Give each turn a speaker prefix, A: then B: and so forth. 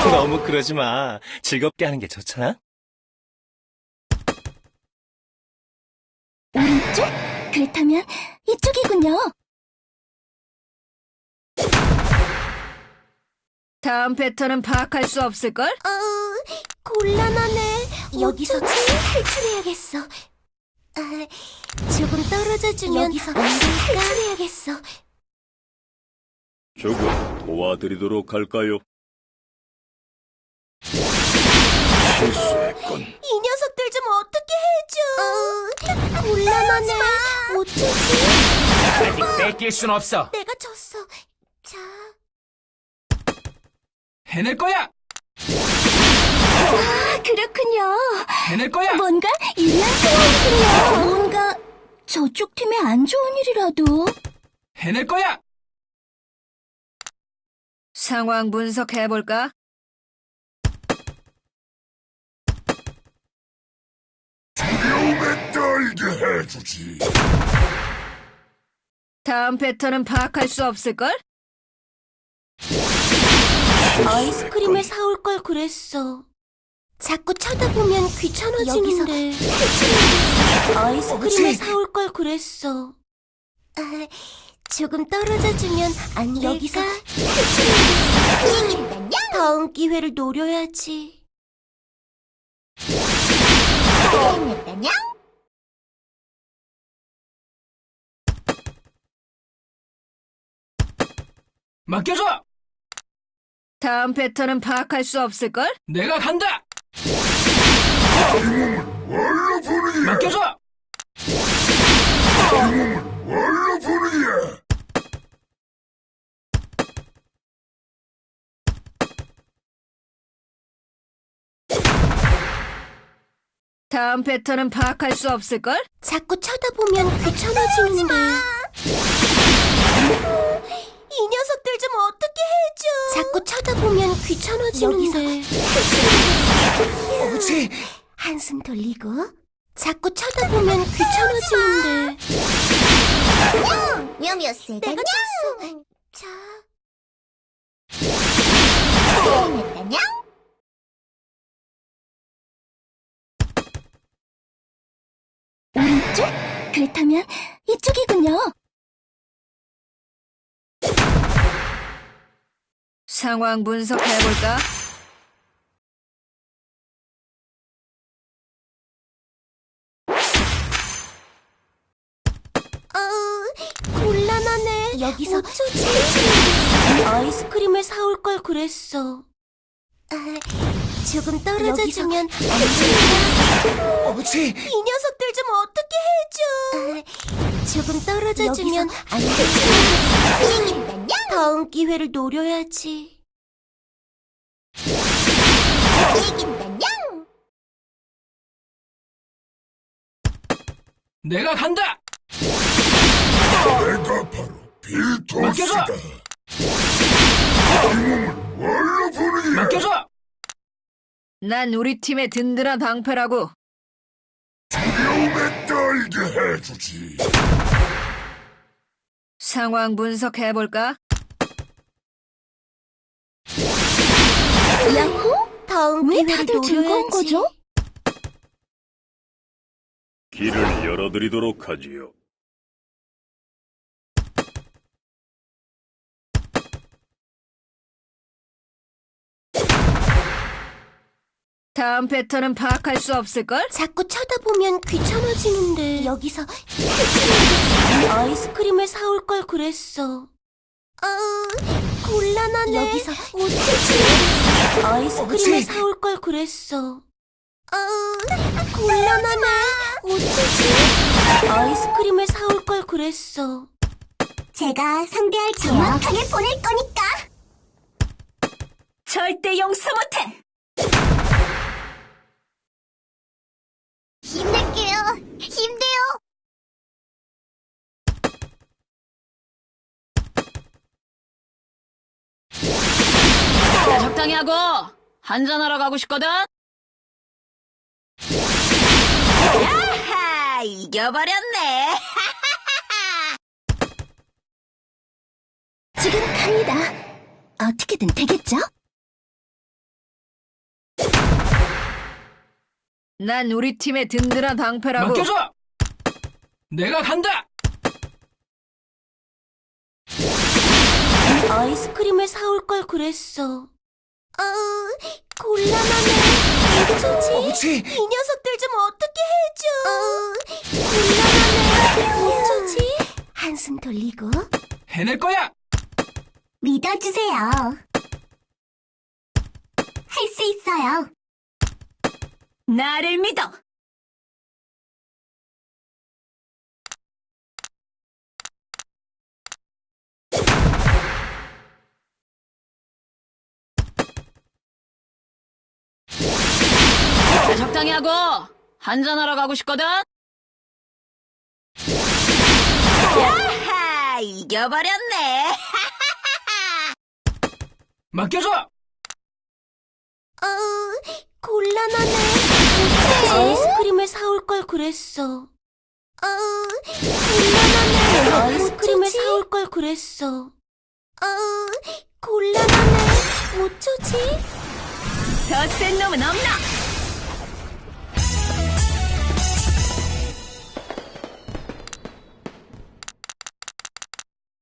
A: 너무 그러지 마. 즐겁게 하는 게 좋잖아.
B: 오른쪽? 그렇다면 이쪽이군요.
C: 다음 패턴은 파악할 수 없을걸?
B: 곤란하네. 여기서 탈출해야겠어. 조금 떨어져주면 여기서 탈출해야겠어.
D: 조금 도와드리도록 할까요? 실수했군.
B: 이 녀석들 좀 어떻게 해줘. 곤란하네. 어쩌지?
E: 아직 뺏길 순 없어.
B: 내가 졌어. 자.
E: 해낼 거야.
B: 그렇군요.
E: 해낼 거야.
B: 뭔가 유리한 상황이군요. 뭔가 저쪽 팀에 안 좋은 일이라도.
E: 해낼 거야.
C: 상황 분석해볼까?
D: 두려움에 떨게 해주지.
C: 다음 패턴은 파악할 수 없을걸?
B: 아이스크림을 사올 걸 그랬어. 자꾸 쳐다보면 귀찮아지는데. 아이스크림을 사올 걸 그랬어. 조금 떨어져주면 안 될까? 여기서 탈출해야겠어. 다음 기회를 노려야지.
E: 맡겨줘.
C: 다음 패턴은 파악할 수 없을걸?
E: 내가 간다.
D: 뭘로 부르냐?
E: 맡겨줘.
D: 뭘로 부르냐?
C: 다음 패턴은 파악할 수 없을걸?
B: 자꾸 쳐다보면 귀찮아지는데. 이 녀석들 좀 어떻게 해줘. 자꾸 쳐다보면 귀찮아지는데.
E: 어지.
B: 한숨 돌리고. 자꾸 쳐다보면 귀찮아지는데.
F: 묘묘세가
B: 내가 졌어. 자.
F: 냥
B: 오른쪽? 그렇다면 이쪽이군요.
C: 상황 분석해볼까?
B: 곤란하네. 여기서 어쩌지? 아이스크림을 사올 걸 그랬어. 조금 떨어져주면 안 될까?
E: 어지.
B: 이 녀석들 좀 어떻게 해줘. 조금 떨어져주면 안 될까? 다음 기회를 노려야지.
E: 내가 간다.
D: 내가 바로 빌토스다.
E: 맡겨줘.
D: 뭘로 부르냐?
E: 맡겨줘.
C: 난 우리 팀의 든든한 방패라고.
D: 두려움에 떨게 해주지.
C: 상황 분석해볼까?
B: 야호? 다음
F: 왜
B: 기회를
F: 다들 즐거운
B: 노려야지.
F: 거죠?
D: 길을 열어드리도록 하지요.
C: 다음 패턴은 파악할 수 없을걸?
B: 자꾸 쳐다보면 귀찮아지는데. 여기서 탈출해야겠어. 아이스크림을 사올 걸 그랬어. 곤란하네. 여기서 어쩌지? 아이스크림을 사올 걸 그랬어. 곤란하네. 어쩌지? 아이스크림을 사올 걸 그랬어.
F: 제가 상대할 정확하게 보낼 거니까.
C: 절대 용서 못해!
F: 힘낼게요. 힘내요.
C: 적당히 하고 한잔하러 가고 싶거든? 야하! 이겨버렸네!
B: 지금 갑니다. 어떻게든 되겠죠?
C: 난 우리 팀의 든든한 방패라고.
E: 맡겨줘! 내가 간다!
B: 아이스크림을 사올 걸 그랬어. 곤란하네. 어쩌지?
A: 그치?
B: 이 녀석들 좀 어떻게 해줘. 곤란하네. 어쩌지? 한숨 돌리고.
E: 해낼 거야!
F: 믿어주세요. 할 수 있어요.
C: 나를 믿어. 적당히 하고 한잔하러 가고 싶거든. 야하, 이겨버렸네.
E: 맡겨줘!
B: 곤란하네. 아이스크림을 사올 걸 그랬어. 곤란하네. 아이스크림을 사올 걸 그랬어. 곤란하네. 어쩌지?
C: 더 센 놈은 없나?